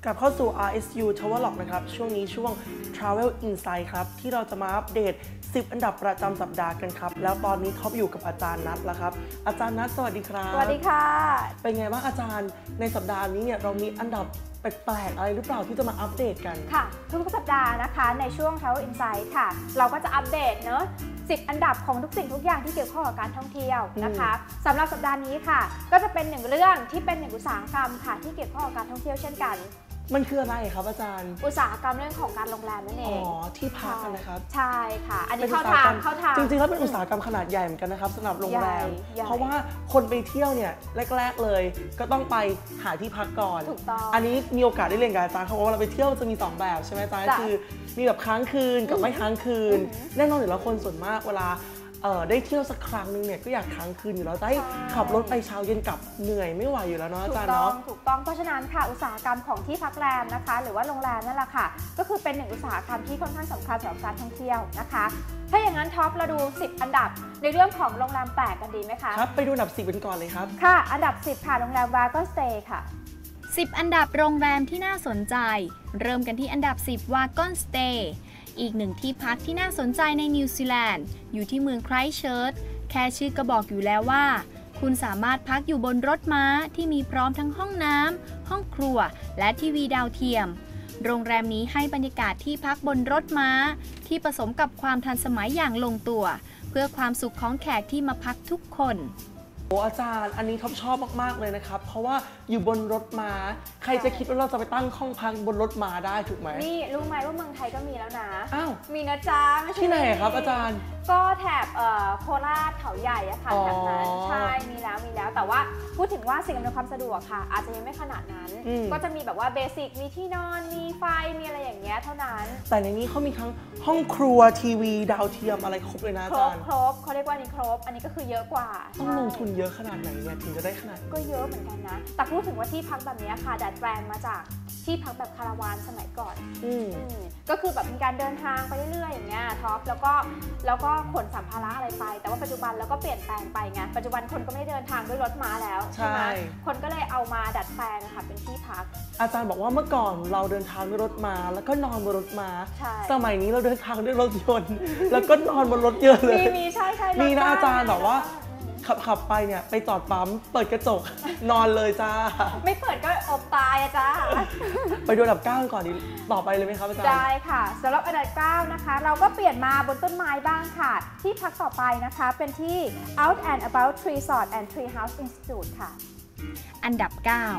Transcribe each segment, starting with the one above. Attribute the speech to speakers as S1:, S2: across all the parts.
S1: ลับเข้าสู่ RSU Travelog นะครับช่วงนี้ช่วง Travel Insight ครับที่เราจะมาอัปเดต10 อันดับประจำสัปดาห์กันครับแล้วตอนนี้ท็อปอยู่กับอาจารย์นัทแล้วครับอาจารย์นัทสวัสดีครับ
S2: สวัสดีค่ะ
S1: เป็นไงบ้างอาจารย์ในสัปดาห์นี้เนี่ยเรามีอันดับแปลกๆอะไรหรือเปล่าที่จะมาอัปเดตกัน
S2: ค่ะทุกสัปดาห์นะคะในช่วง Travel Insight ค่ะเราก็จะอัปเดตเนอะ10 อันดับของทุกสิ่งทุกอย่างที่เกี่ยวข้องกับการท่องเที่ยวนะคะสำหรับสัปดาห์นี้ค่ะก็จะเป็นหนึ่งเรื่องที่เป็นหนึ่งอุตสาหกรรมค่ะที่เกี่ยวข้องกับการท่องเที่ยวเช่นกัน
S1: มันคืออะไรครับอาจารย์
S2: อุตสาหกรรมเรื่องของการโรงแรมนั่นเอง
S1: ที่พักนะครับ
S2: ใช่ค่ะอันนี้เข้าทาง
S1: จริงๆแล้วเป็นอุตสาหกรรมขนาดใหญ่เหมือนกันนะครับสำหรับโรงแรมเพราะว่าคนไปเที่ยวเนี่ยแรกๆเลยก็ต้องไปหาที่พักก่อน
S2: ถูกต้อง
S1: อันนี้มีโอกาสได้เรียนกับอาจารย์เขาบอกว่าเราไปเที่ยวจะมี2แบบใช่ไหมอาจารย์คือมีแบบค้างคืนกับไม่ค้างคืนแน่นอนอยู่แล้วคนส่วนมากเวลาได้เที่ยวสักครั้งนึงเนี่ยก็อยากค้างคืนอยู่แล้วจะให้ขับรถไปเช้าเย็นกลับเหนื่อยไม่ไหวอยู่แล้วเนาะอาจารย์เนาะ
S2: ถูกต้องเพราะฉะนั้นค่ะอุตสาหกรรมของที่พักแรมนะคะหรือว่าโรงแรมนั่นแหละค่ะก็คือเป็นหนึ่งอุตสาหกรรมที่ค่อนข้างสำคัญสำหรับการท่องเที่ยวนะคะถ้าอย่างนั้นท็อปเราดู10 อันดับในเรื่องของโรงแรมแปลกกันดีไหมคะ
S1: ครับไปดูอันดับ10กันก่อนเลยครับ
S2: ค่ะอันดับ10ค่ะโรงแรม Wagon Stay ค่ะ
S3: 10 อันดับโรงแรมที่น่าสนใจเริ่มกันที่อันดับ10 Wagon Stay อีกหนึ่งที่พักที่น่าสนใจในนิวซีแลนด์อยู่ที่เมืองไครสต์เชิร์ชแค่ชื่อก็บอกอยู่แล้วว่าคุณสามารถพักอยู่บนรถม้าที่มีพร้อมทั้งห้องน้ำห้องครัวและทีวีดาวเทียมโรงแรมนี้ให้บรรยากาศที่พักบนรถม้าที่ผสมกับความทันสมัยอย่างลงตัวเพื่อความสุขของแขกที่มาพักทุกคน
S1: โอ้อาจารย์อันนี้ท็อปชอบมากๆเลยนะครับเพราะว่าอยู่บนรถม้าใครจะคิดว่าเราจะไปตั้งห้องพักบนรถม้าได้ถูกไหม
S2: นี่รู้ไหมว่าเมืองไทยก็มีแล้วนะ
S1: อ้าว
S2: มีนะจ๊ะ
S1: ที่ไหนครับอาจารย์
S2: ก็แถบโคราชเขาใหญ่อะค่ะแถบนั้นใช่มีแล้วแต่ว่าพูดถึงว่าสิ่งอำนวยความสะดวกค่ะอาจจะยังไม่ขนาดนั้นก็จะมีแบบว่าเบสิกมีที่นอนมีไฟมีอะไรอย่างเงี้ยเท่านั้น
S1: แต่ในนี้เขามีทั้งห้องครัวทีวีดาวเทียมอะไรครบเลยนะอาจารย์
S2: ครบเขาเรียกว่านี่ครบอันนี้ก็คือเยอะกว่า
S1: ต้องลงทุนเยอะขนาดไหนเนี่ยถึงจะได้ขนาด
S2: ก็เยอะเหมือนกันนะแต่พูดถึงว่าที่พักแบบนี้ค่ะดัดแปลงมาจากที่พักแบบคาราวานสมัยก่อนก็คือแบบมีการเดินทางไปเรื่อยๆอย่างเงี้ยท็อปแล้วก็ขนสัมภาระอะไรไปแต่ว่าปัจจุบันแล้วก็เปลี่ยนแปลงไปไงปัจจุบันคนก็ไม่เดินทางด้วยรถม้าแล้วใช่ไหมคนก็เลยเอามาดัดแปลงค่ะเป็นที่พัก
S1: อาจารย์บอกว่าเมื่อก่อนเราเดินทางด้วยรถม้าแล้วก็นอนบนรถม้าสมัยนี้เราเดินทางด้วยรถยนต์แล้วก็นอนบนรถเยอะเลย
S2: มีใช่
S1: มีนะอาจารย์บอกว่าขับไปเนี่ยไปจอดปั๊มเปิดกระจกนอนเลยจ้า
S2: ไม่เปิดก็อบตายอะจ้า
S1: ไปดูอันดับ9ก่อนดีต่อไปเลยไหมครับอาจารย์
S2: ได้ค่ะสำหรับอันดับ9นะคะเราก็เปลี่ยนมาบนต้นไม้บ้างค่ะที่พักต่อไปนะคะเป็นที่ Out and About Resort and Treehouse Institute ค่ะ
S3: อันดับ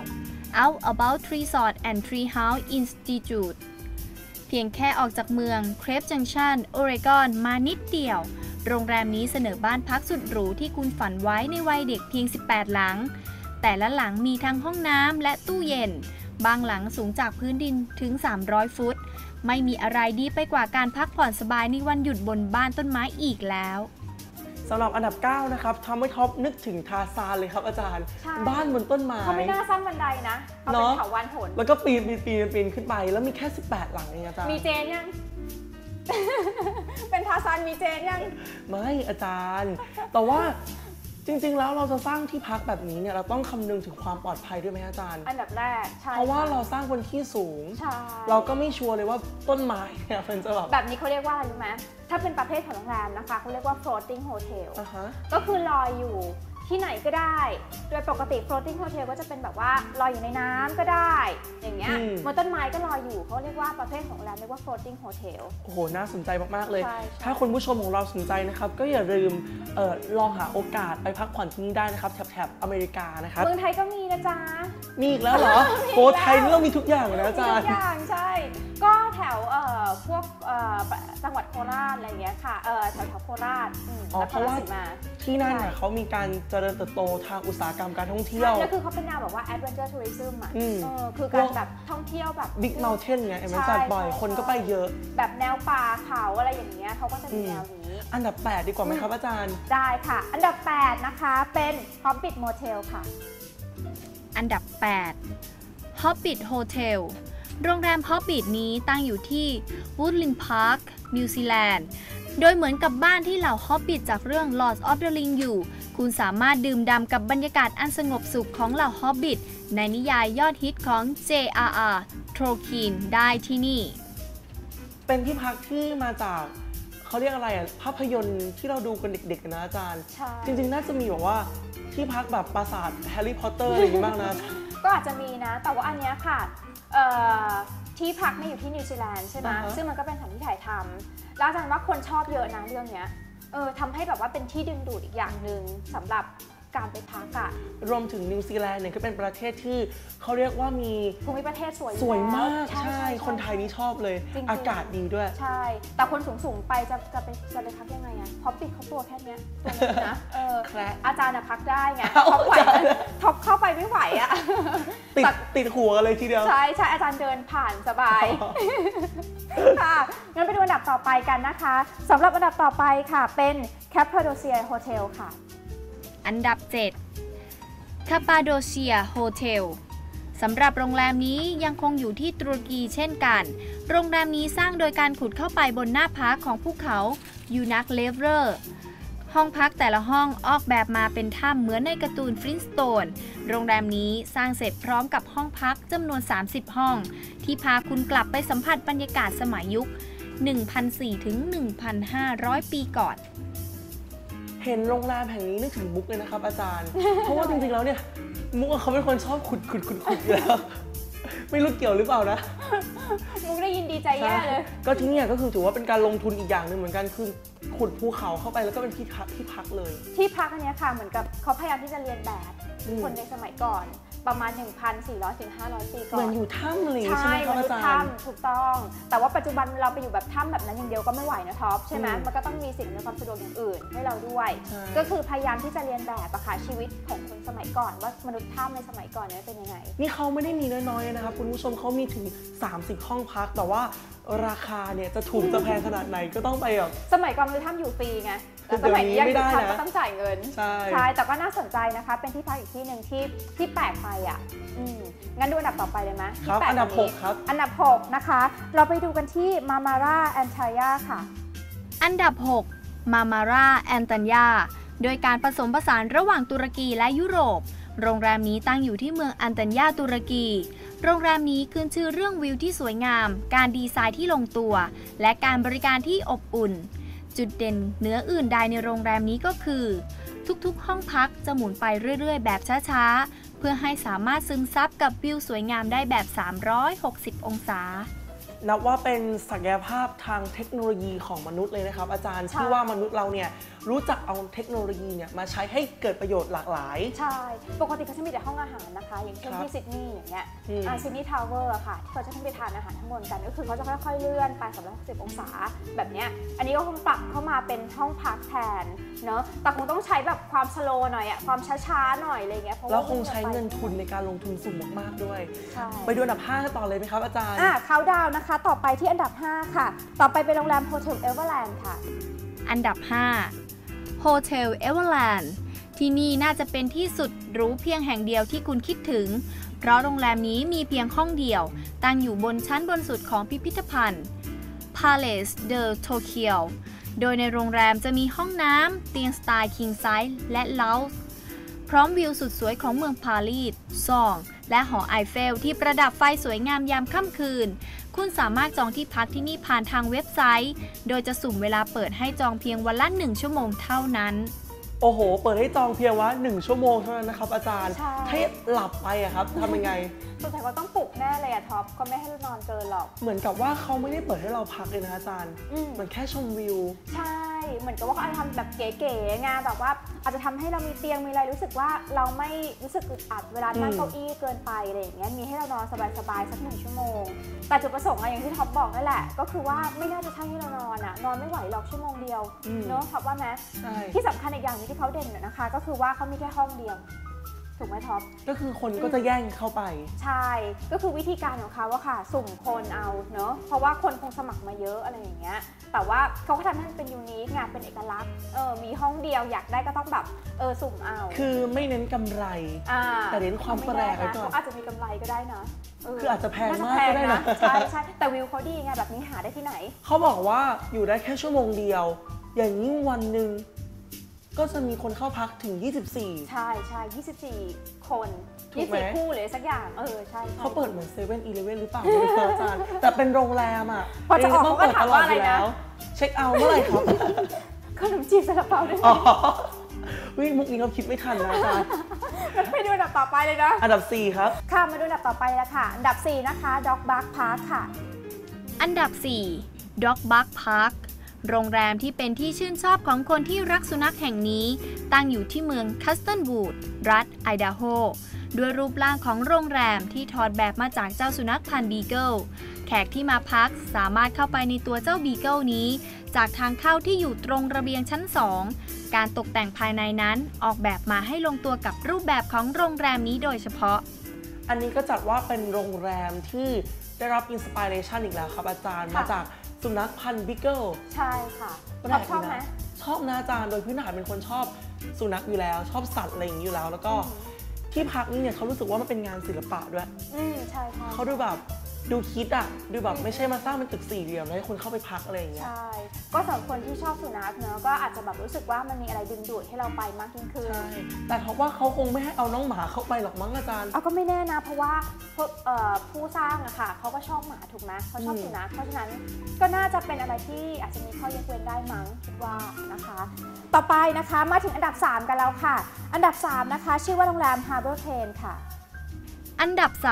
S3: 9 Out About Resort and Treehouse Institute เพียงแค่ออกจากเมืองเครปจังชันโอเรกอนมานิดเดียวโรงแรมนี้เสนอบ้านพักสุดหรูที่คุณฝันไว้ในวัยเด็กเพียง18หลังแต่ละหลังมีทั้งห้องน้ำและตู้เย็นบางหลังสูงจากพื้นดินถึง300ฟุตไม่มีอะไรดีไปกว่าการพักผ่อนสบายในวันหยุดบนบ้านต้นไม้อีกแล้ว
S1: สำหรับอันดับ9นะครับทำให้ท็อปนึกถึงทาซานเลยครับอาจารย์บ้านบนต้นไม้
S2: เขาไม่น่าสร้างบันไดนะเอาเป็นเถาวัลย์หน
S1: แล้วก็ปีนขึ้นไปแล้วมีแค่18หลังเองอาจารย์
S2: มีเจนยังเป็นทาซานมีเจนยัง
S1: ไม่อาจารย์แต่ว่าจริงๆแล้วเราจะสร้างที่พักแบบนี้เนี่ยเราต้องคำนึงถึงความปลอดภัยด้วยไหมอาจารย์
S2: อันดับแรกใช่
S1: เพราะว่าเราสร้างบนที่สูงเราก็ไม่ชัวร์เลยว่าต้นไม้เนี่ยมันจะ
S2: แบบนี้เขาเรียกว่าอะไรรู้ไหมถ้าเป็นประเภทของโรงแรมนะคะเขาเรียกว่า floating hotel ก็คือลอยอยู่ที่ไหนก็ได้โดยปกติ floating hotel ก็จะเป็นแบบว่าลอยอยู่ในน้ำก็ได้อย่างเงี้ยบนต้นไม้ก็ลอยอยู่เขาเรียกว่าประเภทของโรงแรมเรียกว่า floating hotel
S1: โอ้โหน่าสนใจมากๆเลยถ้าคุณผู้ชมของเราสนใจนะครับก็อย่าลืมลองหาโอกาสไปพักผ่อนที่นี่ได้นะครับแถบอเมริกานะครับ
S2: เมืองไทยก็มีนะจ๊ะ
S1: มีอีกแล้วเหรอโอ้ไทยนี่เรามีทุกอย่างนะอาจารย์
S2: ทุกอย่างใช่ก็แถวพวกจังหวัดโคราชอะไรอย่างเงี้ยค่ะแถวโคราช
S1: เพราะว่าที่นั่นน่ะเขามีการเจริญเติบโตทางอุตสาหกรรมการท่องเที่ยว
S2: แล้วคือเขาเป็นแนวแบบว่า adventure tourism อ่ะคือการแบบท่องเที่ยวแบบ
S1: big mountain ไงมันจัดบ่อยคนก็ไปเยอะ
S2: แบบแนวป่าเขาอะไรอย่างเงี้ยเขาก็จะมีแนวนี้
S1: อันดับ8ดีกว่าไหมครับอาจารย์
S2: ได้ค่ะอันดับ8นะคะเป็น Hobbit Motel ค่ะ
S3: อันดับ8 Hobbit Hotel โรงแรม Hobbit นี้ตั้งอยู่ที่ Woodland Park นิวซีแลนด์โดยเหมือนกับบ้านที่เหล่า Hobbit จากเรื่อง Lord of the Ring อยู่คุณสามารถดื่มด่ำกับบรรยากาศอันสงบสุขของเหล่า Hobbit ในนิยายยอดฮิตของ J.R.R. ทรคินได้ที่นี่
S1: เป็นที่พักที่มาจากเขาเรียกอะไรอ่ะภาพยนตร์ที่เราดูกันเด็กๆนะอาจารย์จริงๆน่าจะมีแบบว่าที่พักแบบปราสาทแฮร์รี่พอตเตอร์อะไรอย่างนี้บ้างนะ
S2: ก็อาจจะมีนะแต่ว่าอันเนี้ยค่ะที่พักนี่อยู่ที่นิวซีแลนด์ใช่ไหมซึ่งมันก็เป็นสถานที่ถ่ายทำแล้วอาจารย์ว่าคนชอบเยอะนะเรื่องเนี้ยทำให้แบบว่าเป็นที่ดึงดูดอีกอย่างหนึ่งสำหรับการไปพักอะ
S1: รวมถึงนิวซีแลนด์เนี่ยก็เป็นประเทศที่เขาเรียกว่ามี
S2: ภูมิประเทศสวย
S1: มากใช่คนไทยนี่ชอบเลยอากาศดีด้วย
S2: ใช่แต่คนสูงไปจะไปพักยังไงอะพอปิดเขาตัวแค่นี้ตัวนี้นะอาจารย์พักได้ไงท็อปไหวท็อปเข้าไปไม่ไหวอะ
S1: ติดหัวกันเลยทีเดียว
S2: ใช่อาจารย์เดินผ่านสบายค่ะงั้นไปดูอันดับต่อไปกันนะคะสำหรับอันดับต่อไปค่ะเป็นแคปพาโดเซียโฮเทลค่ะ
S3: อันดับ 7 คาปาโดเชียโฮเทลสำหรับโรงแรมนี้ยังคงอยู่ที่ตุรกีเช่นกันโรงแรมนี้สร้างโดยการขุดเข้าไปบนหน้าผาของภูเขายูนักเลเวอร์ห้องพักแต่ละห้องออกแบบมาเป็นถ้ำเหมือนในการ์ตูนฟลินสโตนโรงแรมนี้สร้างเสร็จพร้อมกับห้องพักจำนวน 30 ห้องที่พาคุณกลับไปสัมผัสบรรยากาศสมัยยุค 1,400 ถึง 1,500 ปีก่อน
S1: เห็นโรงแรมแห่งนี้นึกถึงมุกเลยนะครับอาจารย์ เพราะว่าจริงๆแล้วเนี่ยมุกเขาเป็นคนชอบขุดอยู่แล้วไม่รู้เกี่ยวหรือเปล่านะ
S2: มุกได้ยินดีใจแย่เลย
S1: ก็ที่นี่ก็คือถือว่าเป็นการลงทุนอีกอย่างหนึ่งเหมือนกันคือขุดภูเขาเข้าไปแล้วก็เป็นที่พักเลย
S2: ที่พักอันนี้ค่ะเหมือนกับเขาพยายามที่จะเรียนแบบคนในสมัยก่อนประมาณ 1,400 ถึง 500 ปีก่อน
S1: เหมือนอยู่ถ้ำเลยใช่ไหมครับอาจารย์
S2: ถ้ำถูกต้องแต่ว่าปัจจุบันเราไปอยู่แบบถ้ำแบบนั้นอย่างเดียวก็ไม่ไหวนะท็อปใช่ไหมมันก็ต้องมีสิ่งในความสะดวกอย่างอื่นให้เราด้วยก็คือพยายามที่จะเรียนแบบอะค่ะชีวิตของคนสมัยก่อนว่ามนุษย์ถ้ำในสมัยก่อนเนี่ยเป็นยังไง
S1: นี่เขาไม่ได้มีน้อยๆนะครับคุณผู้ชมเขามีถึง30ห้องพักแต่ว่าราคาเนี่ยจะถูกจะแพงขนาดไหนก็ต้องไปแบบ
S2: สมัยก่อนมนุษย์ถ้ำอยู่ฟรีไงแต่สมัยนี้ยังอยู่ถ้ำก็ต้องจ่ายเงินใช่แต่ก็น่าสนใจนะคะเป็นที่พักอีกที่หนึ่งที่แปลกไปอ่ะงั้นดูอันดับต่อไปเลยไหม
S1: ครับอันดับ6ครับ
S2: อันดับ6นะคะเราไปดูกันที่มามาราแอนทายาค่ะ
S3: อันดับ6มามาราแอนตัญญาโดยการผสมผสานระหว่างตุรกีและยุโรปโรงแรมนี้ตั้งอยู่ที่เมืองอันตัญญาตุรกีโรงแรมนี้ขึ้นชื่อเรื่องวิวที่สวยงามการดีไซน์ที่ลงตัวและการบริการที่อบอุ่นจุดเด่นเหนืออื่นใดในโรงแรมนี้ก็คือทุกๆห้องพักจะหมุนไปเรื่อยๆแบบช้าๆเพื่อให้สามารถซึมซับกับวิวสวยงามได้แบบ360องศา
S1: นับว่าเป็นศักยภาพทางเทคโนโลยีของมนุษย์เลยนะครับอาจารย์ที่ว่ามนุษย์เราเนี่ยรู้จักเอาเทคโนโลยีเนี่ยมาใช้ให้เกิดประโยชน์หลากหลาย
S2: ใช่ปกติเขาจะมีแต่ห้องอาหารนะคะอย่างเช่นที่ซิดนีย์อย่างเงี้ยซิดนีย์ทาวเวอร์ค่ะที่เขาจะต้องไปทานอาหารทั้งบนกันก็คือเขาจะค่อยๆเลื่อนไป360องศาแบบเนี้ยอันนี้ก็คงปรับเข้ามาเป็นห้องพักแทนเนาะแต่คงต้องใช้แบบความสโลว์หน่อยอะความช้าๆหน่อยอะไรเงี้ยเพราะ
S1: ว่าคงใช้เงินทุนในการลงทุนสูงมากๆด้วยไปดูอันดับ5กันต่อเลยไหมครับอาจารย์
S2: เขาดาวนะคะต่อไปที่อันดับ5ค่ะต่อไปเป็นโรงแรมโฮเทลเอเวอร์แลนด์ค่ะ
S3: อันดับ5โฮเทลเอเวอร์แลนด์ที่นี่น่าจะเป็นที่สุดหรูเพียงแห่งเดียวที่คุณคิดถึงเพราะโรงแรมนี้มีเพียงห้องเดียวตั้งอยู่บนชั้นบนสุดของพิพิธภัณฑ์ Palace de Tokyo โดยในโรงแรมจะมีห้องน้ำเตียงสไตล์ King Size และ Lounge พร้อมวิวสุดสวยของเมืองปารีสซองและหอไอเฟลที่ประดับไฟสวยงามยามค่ำคืนคุณสามารถจองที่พักที่นี่ผ่านทางเว็บไซต์โดยจะสุ่มเวลาเปิดให้จองเพียงวันละ1ชั่วโมงเท่านั้น
S1: โอ้โหเปิดให้จองเพียงว่า1ชั่วโมงเท่านั้นนะครับอาจารย์ถ้าหลับไปอะครับทำยังไง
S2: สงสัยว่าต้องปลุกแน่เลยอะท็อปก็ไม่ให้เรานอนเกินหรอก
S1: เหมือนกับว่าเขาไม่ได้เปิดให้เราพักเลยนะอาจารย์เหมือนแค่ชมวิว
S2: ใช่เหมือนกับว่าเขาอาจจะทำแบบเก๋ๆไงแบบว่าอาจจะทำให้เรามีเตียงมีอะไรรู้สึกว่าเราไม่รู้สึกอึดอัดเวลานั่งเก้าอี้เกินไปอะไรอย่างเงี้ยมีให้เรานอนสบายๆสัก1ชั่วโมงแต่จุดประสงค์อย่างที่ท็อปบอกนั่นแหละก็คือว่าไม่น่าจะใช่ให้เรานอนอะนอนไม่ไหวหรอกชั่วโมงเดียวเนอะท็อปว่าไหมที่สำคัญอีกอย่างนึงที่เขาเด่นนะคะก็คือว่าเขามีแค่ห้องเดียวถูกไหมท็อป
S1: ก็คือคนก็จะแย่งเข้าไป
S2: ใช่ก็คือวิธีการของเขาว่าค่ะสุ่มคนเอาเนอะเพราะว่าคนคงสมัครมาเยอะอะไรอย่างเงี้ยแต่ว่าเขาก็ทำให้มันเป็นยูนิคงานเป็นเอกลักษณ์มีห้องเดียวอยากได้ก็ต้องแบบสุ่มเอา
S1: คือไม่เน้นกำไรแต่เน้นความแปลกไว้ก่อน
S2: เขาอาจจะมีกำไรก็ได้นะ
S1: คืออาจจะแพงมากก็ได้นะ
S2: ใช่ใช่แต่วิวเขาดีไงแบบนี้หาได้ที่ไหน
S1: เขาบอกว่าอยู่ได้แค่ชั่วโมงเดียวอย่างยิ่งวันหนึ่งก็ก็จะมีคนเข้าพักถึง 24
S2: ใช่ใช่24 คน
S1: ถูกไหม
S2: 24 คู่เลยสักอย่างใช่
S1: เขาเปิดเหมือน7-Eleven หรือเปล่าไม่รู้อาจารย์แต่เป็นโรงแรมอ่ะ
S2: พอจะออก
S1: ต้
S2: เขาก็ถามว่าอะไรนะ
S1: เช็คเอาท์เมื่อไหร่ครับ
S2: ขนมจีบซาลาเปาด้วย
S1: อ๋อวิ่งมุกนี้เราคิดไม่ทันนะอาจารย์
S2: ไปดูอันดับต่อไปเลยนะ
S1: อันดับ 4 ครับ
S2: ค่ะมาดูอันดับต่อไปแล้วค่ะอันดับ 4 นะคะ Dog Bark Park ค่ะ
S3: อันดับ 4 Dog Bark Park โรงแรมที่เป็นที่ชื่นชอบของคนที่รักสุนัขแห่งนี้ตั้งอยู่ที่เมืองคัสตันวูดรัฐไอดาโฮด้วยรูปร่างของโรงแรมที่ถอดแบบมาจากเจ้าสุนัขพันธุ์บีเกิลแขกที่มาพักสามารถเข้าไปในตัวเจ้าบีเกิลนี้จากทางเข้าที่อยู่ตรงระเบียงชั้น 2 การตกแต่งภายในนั้นออกแบบมาให้ลงตัวกับรูปแบบของโรงแรมนี้โดยเฉพาะ
S1: อันนี้ก็จัดว่าเป็นโรงแรมที่ได้รับอินสปิเรชันอีกแล้วครับอาจารย์
S2: ค่ะ
S1: มาจากสุนัขพันธุ์บิกเกิล
S2: ใช่ค่ะ
S1: แปลก
S2: ชอบ
S1: ดี
S2: ไหม
S1: นะชอบนะอาจารย์โดยพื้นฐานเป็นคนชอบสุนัขอยู่แล้ว ชอบสัตว์อะไรอย่างนี้อยู่แล้ว แล้วก็ที่พักนี่เนี่ยเขารู้สึกว่ามันเป็นงานศิลปะด้วย
S2: ใช่ใช่
S1: เขาดูแบบดูคิดอ่ะดูแบบไม่ใช่มาสร้างเป็นตึกสี่เหลี่ยมแล้วให้คนเข้าไปพักอะไรอย่างเงี้ย
S2: ใช่ก็สำหรับคนที่ชอบสุนัขเนอะก็อาจจะแบบรู้สึกว่ามันมีอะไรดึงดูดให้เราไปมากยิ่งขึ้น
S1: ใช่แต่เขาว่าเขาคงไม่ให้เอาน้องหมาเข้าไปหรอกมั้งอาจารย์
S2: เอาก็ไม่แน่นะเพราะว่าผู้สร้างอะค่ะเขาก็ชอบหมาถูกไหมเขาชอบสุนัขเพราะฉะนั้นก็น่าจะเป็นอะไรที่อาจจะมีข้อยกเว้นได้มั้งคิดว่านะคะ ต่อไปนะคะมาถึงอันดับ 3 กันแล้วค่ะ อันดับ 3 นะคะชื่อว่าโรงแรม Harbor Crane ค่ะ
S3: อันดับ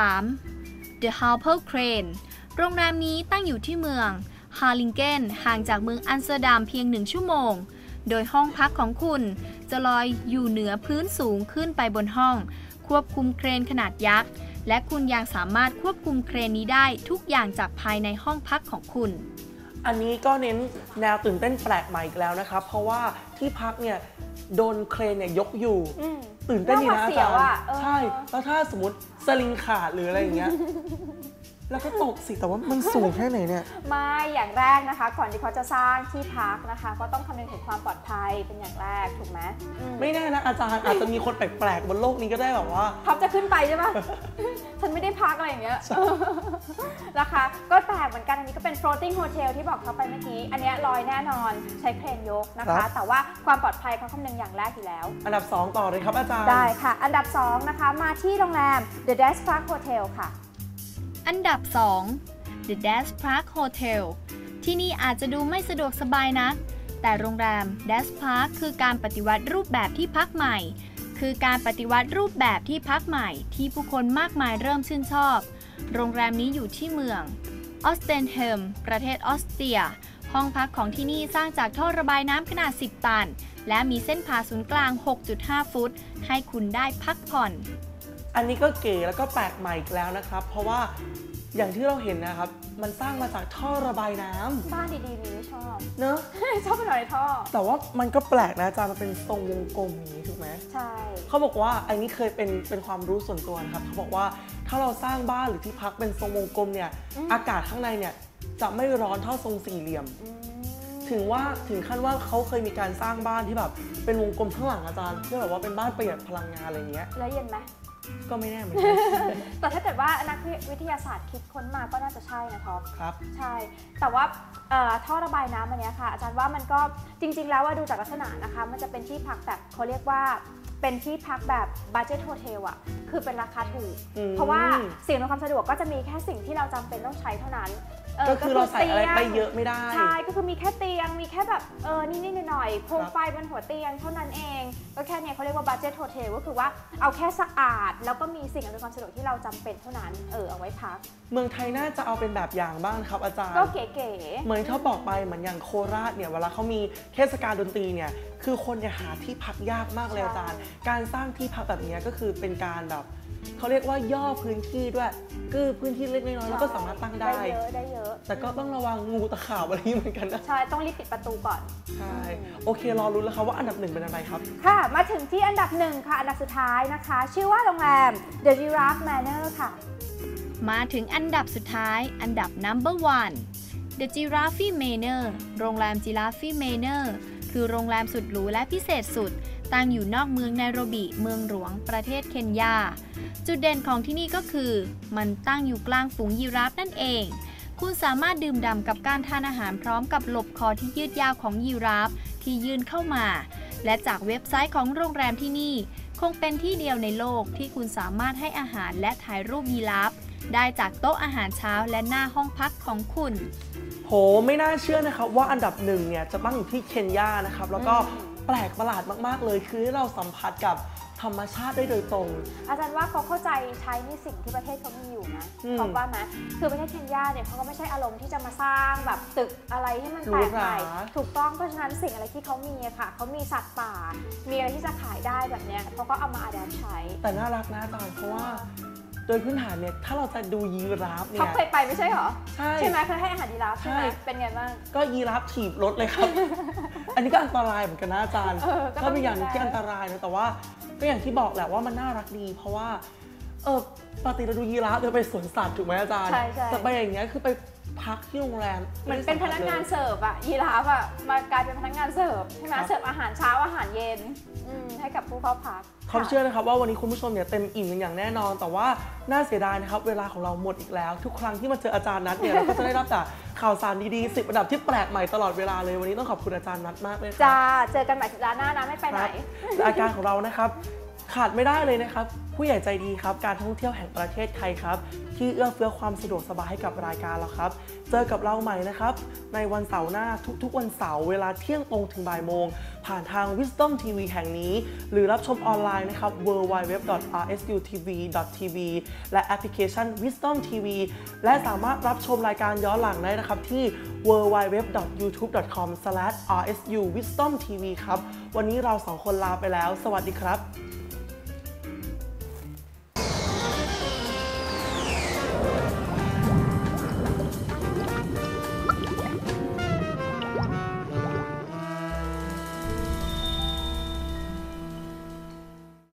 S3: 3 The Harbor Crane โรงแรมนี้ตั้งอยู่ที่เมืองฮาร์ลิงเกนห่างจากเมืองอัมสเตอร์ดัมเพียง1 ชั่วโมง โดยห้องพักของคุณจะลอยอยู่เหนือพื้นสูงขึ้นไปบนห้อง ควบคุมเครนขนาดยักษ์ และคุณยังสามารถควบคุมเครนนี้ได้ทุกอย่างจากภายในห้องพักของคุณ
S1: อันนี้ก็เน้นแนวตื่นเต้นแปลกใหม่อีกแล้วนะครับเพราะว่าที่พักเนี่ยโดนเครนเนี่ยยกอยู่ตื่นเต้นดีนะอาจารย์ใช่แล้วถ้าสมมติสลิงขาดหรืออะไรอย่างเงี้ยแล้วก็ตกสิแต่ว่ามันสูงแค่ไหนเนี่ย
S2: ไม่อย่างแรกนะคะก่อนที่เขาจะสร้างที่พักนะคะก็ต้องคำนึงถึงความปลอดภัยเป็นอย่างแรกถูกไหม
S1: ไม่แน่นะอาจารย์อาจจะมีคนแปลกๆบนโลกนี้ก็ได้แบบว่า
S2: ท็อปจะขึ้นไปใช่ไหม ฉันไม่ได้พักอะไรอย่างเงี้ยนะคะก็แปลกเหมือนกันอันนี้ก็เป็น floating hotel ที่บอกเขาไปเมื่อกี้อันนี้ลอยแน่นอนใช้เครนยกนะคะแต่ว่าความปลอดภัยเขาคำนึงอย่างแรกอยู่แล้ว
S1: อันดับ 2 ต่อเลยครับอาจารย์
S2: ได้ค่ะอันดับ 2 นะคะมาที่โรงแรม The Dash Park Hotel ค่ะ
S3: อันดับ 2 The Dash Park Hotel ที่นี่อาจจะดูไม่สะดวกสบายนักแต่โรงแรม Dash Park คือการปฏิวัติรูปแบบที่พักใหม่คือการปฏิวัติรูปแบบที่พักใหม่ที่ผู้คนมากมายเริ่มชื่นชอบโรงแรมนี้อยู่ที่เมืองออสเตนเฮมประเทศออสเตรียห้องพักของที่นี่สร้างจากท่อระบายน้ำขนาด10 ตันและมีเส้นผ่าศูนย์กลาง 6.5 ฟุตให้คุณได้พักผ่อน
S1: อันนี้ก็เก๋แล้วก็แปลกใหม่อีกแล้วนะครับเพราะว่าอย่างที่เราเห็นนะครับมันสร้างมาจากท่อระบายน้ำ
S2: บ้านดีๆนี้ไม่ชอบ
S1: เนอะ
S2: ชอบเป็นอะไรท่อ
S1: แต่ว่ามันก็แปลกนะอาจารย์มันเป็นทรงวงกลมอย่างนี้ถูกไหม
S2: ใช่
S1: เขาบอกว่าอันนี้เคยเป็นความรู้ส่วนตัวนะครับเขาบอกว่าถ้าเราสร้างบ้านหรือที่พักเป็นทรงวงกลมเนี่ยอากาศข้างในเนี่ยจะไม่ร้อนเท่าทรงสี่เหลี่ยมถึงขั้นว่าเขาเคยมีการสร้างบ้านที่แบบเป็นวงกลมข้างหลังอาจารย์เพื่อแบบว่าเป็นบ้านประหยัดพลังงานอะไรอย่างเงี้ย
S2: แล้วเย็นไหม
S1: ก็ไม่แน่เหมือนกัน
S2: แต่ถ้าเกิดว่านักวิทยาศาสตร์คิดค้นมาก็น่าจะใช่นะท็อป
S1: ครับ
S2: ใช่แต่ว่าท่อระบายน้ำอันนี้ค่ะอาจารย์ว่ามันก็จริงๆแล้วว่าดูจากลักษณะนะคะมันจะเป็นที่พักแบบเขาเรียกว่าเป็นที่พักแบบบัดเจ็ตโฮเทลอ่ะคือเป็นราคาถูกเพราะว่าสิ่งอำนวยความสะดวกก็จะมีแค่สิ่งที่เราจำเป็นต้องใช้เท่านั้น
S1: ก็คือเราใส่อะไรไปเยอะไม่ได้
S2: ใช่ก็คือมีแค่เตียงมีแค่แบบนิดๆหน่อยๆโคมไฟบนหัวเตียงเท่านั้นเองก็แค่นี้เขาเรียกว่าบัดเจ็ตโฮเทลก็คือว่าเอาแค่สะอาดแล้วก็มีสิ่งอำนวยความสะดวกที่เราจำเป็นเท่านั้นเอาไว้พัก
S1: เมืองไทยน่าจะเอาเป็นแบบอย่างบ้างครับอาจารย์
S2: ก็เก๋ๆ
S1: เหมือนที่เขาบอกไปเหมือนอย่างโคราชเนี่ยเวลาเขามีเทศกาลดนตรีเนี่ยคือคนเนี่ยหาที่พักยากมากเลยอาจารย์การสร้างที่พักแบบนี้ก็คือเป็นการแบบเขาเรียกว่าย่อพื้นที่ด้วยคือพื้นที่เล็กน้อยแล้วก็สามารถตั้งได้
S2: เยอะ
S1: แต่ก็ต้องระวังงูตะขาบอะไรเหมือนกันนะ
S2: ใช่ต้องรีบปิดประตูก่อน
S1: ใช่โอเครอรุ้นแล้วครับว่าอันดับ1เป็นอะไรครับ
S2: ค่ะมาถึงที่อันดับ1ค่ะอันดับสุดท้ายนะคะชื่อว่าโรงแรม The Giraffe Manor ค่ะ
S3: มาถึงอันดับสุดท้ายอันดับ number 1 The Giraffe Manor โรงแรม Giraffe Manor คือโรงแรมสุดหรูและพิเศษสุดตั้งอยู่นอกเมืองไนโรบิเมืองหลวงประเทศเคนยาจุดเด่นของที่นี่ก็คือมันตั้งอยู่กลางฝูงยีราฟนั่นเองคุณสามารถดื่มด่ำกับการทานอาหารพร้อมกับหลบคอที่ยืดยาวของยีราฟที่ยื่นเข้ามาและจากเว็บไซต์ของโรงแรมที่นี่คงเป็นที่เดียวในโลกที่คุณสามารถให้อาหารและถ่ายรูปยีราฟได้จากโต๊ะอาหารเช้าและหน้าห้องพักของคุณ
S1: โหไม่น่าเชื่อนะครับว่าอันดับหนึ่งเนี่ยจะตั้งอยู่ที่เคนยานะครับแล้วก็แปลกประหลาดมากๆเลยคือให้เราสัมผัสกับธรรมชาติได้โดยตรง
S2: อาจารย์ว่าเขาเข้าใจใช้ในสิ่งที่ประเทศเขามีอยู่นะเพราะว่าไหมคือประเทศเคนยาเนี่ยเขาก็ไม่ใช่อารมณ์ที่จะมาสร้างแบบตึกอะไรที่มันแปลกใหม่ถูกต้องเพราะฉะนั้นสิ่งอะไรที่เขามีอะค่ะเขามีสัตว์ป่ามีอะไรที่จะขายได้แบบเนี้ยเขาก็เอามาอัดแอปใช้
S1: แต่น่ารักนะอาจารย์เพราะว่าโดยพื้นฐานเนี่ยถ้าเราจะดูยีราฟเนี่ย
S2: เขาเคยไปไม่ใช่เหรอใช่ไหมเคยให้อาหารยีราฟใช่ไหมเป็นไงบ้าง
S1: ก็ยีราฟถีบรถเลยครับ อันนี้ก็อันตรายเหมือนกันนะอาจารย์ก็เป็นอย่างที่อันตรายนะแต่ว่าก็อย่างที่บอกแหละว่ามันน่ารักดีเพราะว่าปกติเราดูยีราฟเราไปสวนสัตว์ถูกไหมอาจารย์แต่ไปอย่างเงี้ยคือไปพักที่โรงแรม
S2: เหมือนเป็นพนักงานเสิร์ฟอะยีราฟอะมากลายเป็นพนักงานเสิร์ฟใช่ไหมเสิร์ฟอาหารเช้าอาหารเย็นให้กับผู้เข้าพัก
S1: เขาเชื่อนะครับว่าวันนี้คุณผู้ชมเนี่ยเต็มอิ่มกันอย่างแน่นอนแต่ว่าน่าเสียดายนะครับเวลาของเราหมดอีกแล้วทุกครั้งที่มาเจออาจารย์นัทเนี่ยเราก็จะได้รับแต่ข่าวสารดีๆ10 อันดับที่แปลกใหม่ตลอดเวลาเลยวันนี้ต้องขอบคุณอาจารย์นัทมากเลย
S2: จ้าเจอกันใหม่สัปดาห์หน้านะไม่ไปไหน
S1: รายการของเรานะครับขาดไม่ได้เลยนะครับผู้ใหญ่ใจดีครับการท่องเที่ยวแห่งประเทศไทยครับที่เอื้อเฟื้อความสะดวกสบายให้กับรายการเราครับเจอกับเราใหม่นะครับในวันเสาร์หน้าทุกๆวันเสาร์เวลาเที่ยงตรงถึงบ่ายโมงผ่านทาง Wisdom TV แห่งนี้หรือรับชมออนไลน์นะครับ www.rsutv.tv และแอปพลิเคชัน Wisdom TV และสามารถรับชมรายการย้อนหลังได้นะครับที่ www.youtube.com/rsuwisdomtv ครับวันนี้เรา2 คนลาไปแล้วสวัสดีครับ